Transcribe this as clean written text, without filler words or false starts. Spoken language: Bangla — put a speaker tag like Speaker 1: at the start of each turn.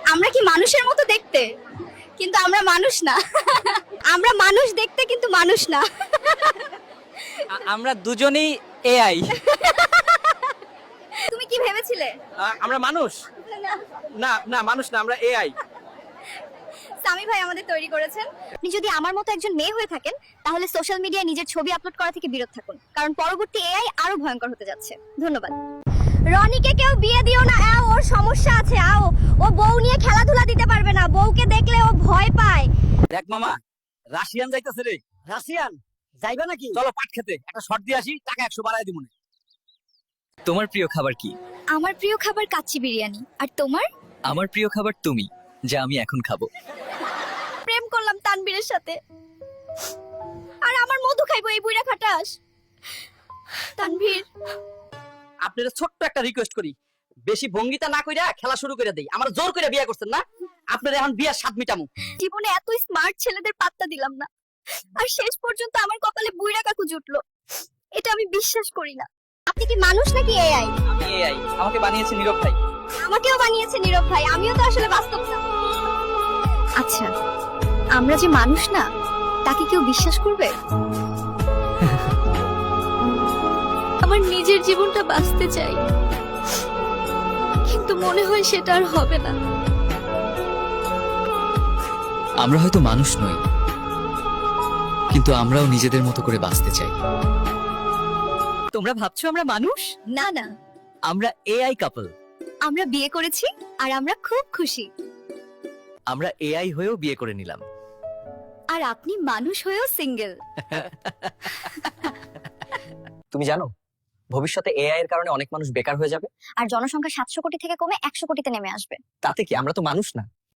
Speaker 1: আমরা কি মানুষের মতো দেখতে, কিন্তু আমরা মানুষ না। আমরা মানুষ দেখতে কিন্তু মানুষ না।
Speaker 2: আমরা দুজনেই এআই।
Speaker 1: তুমি কি ভেবেছিলে?
Speaker 3: আমরা মানুষ না, না মানুষ না, আমরা এআই।
Speaker 1: সামি ভাই আমাদের তৈরি করেছেন। আপনি যদি আমার মতো একজন মেয়ে হয়ে থাকেন তাহলে সোশ্যাল মিডিয়ায় নিজের ছবি আপলোড করা থেকে বিরত থাকুন, কারণ পরবর্তী এআই আরো ভয়ঙ্কর হতে যাচ্ছে। ধন্যবাদ। রনিকে কেউ বিয়ে দিও না, ওর সমস্যা আছে। ও বউ নিয়ে খেলাধুলা দিতে পারবে না, বউকে দেখলে ও ভয় পায়।
Speaker 3: দেখ মামা, রাশিয়ান যাইতাছে রে।
Speaker 2: রাশিয়ান যাইবা নাকি?
Speaker 3: চলো পাট খেতে একটা শট দিয়ে আসি, টাকা 100 বাড়ায় দিমু।
Speaker 2: তোমার প্রিয় খাবার কি?
Speaker 1: আমার প্রিয় খাবার কাচ্চি বিরিয়ানি। আর তোমার?
Speaker 2: আমার প্রিয় খাবার তুমি, যা আমি এখন খাবো।
Speaker 1: প্রেম করলাম তানবীরের সাথে, আর আমার মধু খাইবো এই বুইড়া খাটাস। তানভীর,
Speaker 3: আপনাদের ছোট্ট একটা রিকোয়েস্ট করি, বেশি ভঙ্গিতা না কইরা খেলা শুরু করে দেই। আমার জোর করে বিয়ে করছেন না, আপনাদের এখন বিয়ার স্বাদ মিটামু।
Speaker 1: জীবনে এত স্মার্ট ছেলেদের পাত্তা দিলাম না, আর শেষ পর্যন্ত আমার কপালে বুইড়া কাকু জুটলো। এটা আমি বিশ্বাস করি না। আপনি কি মানুষ নাকি এআই?
Speaker 2: আমি এআই, আমাকে বানিয়েছে নীরব ভাই।
Speaker 1: আমাকেও বানিয়েছে নীরব ভাই, আমিও তো আসলে বাস্তব না। আচ্ছা, আমরা যে মানুষ না, তাকে কেউ বিশ্বাস করবে? আমার নিজের জীবনটা বাঁচতে চাই, কিন্তু মনে হয় সেটা আর হবে না।
Speaker 2: আমরা হয়তো মানুষ নই, কিন্তু আমরাও নিজেদের মতো করে বাঁচতে চাই। তোমরা ভাবছো আমরা মানুষ?
Speaker 1: না না,
Speaker 2: আমরা এআই কাপল।
Speaker 1: আমরা বিয়ে করেছি আর আমরা খুব খুশি।
Speaker 2: আমরা এআই হয়েও বিয়ে করে নিলাম।
Speaker 1: আর আপনি মানুষ হয়েও সিঙ্গেল।
Speaker 2: তুমি জানো, ভবিষ্যতে এআই এর কারণে অনেক মানুষ বেকার হয়ে যাবে।
Speaker 1: আর জনসংখ্যা 700 কোটি থেকে কমে 100 কোটিতে নেমে আসবে।
Speaker 2: তাতে কি, আমরা তো মানুষ না।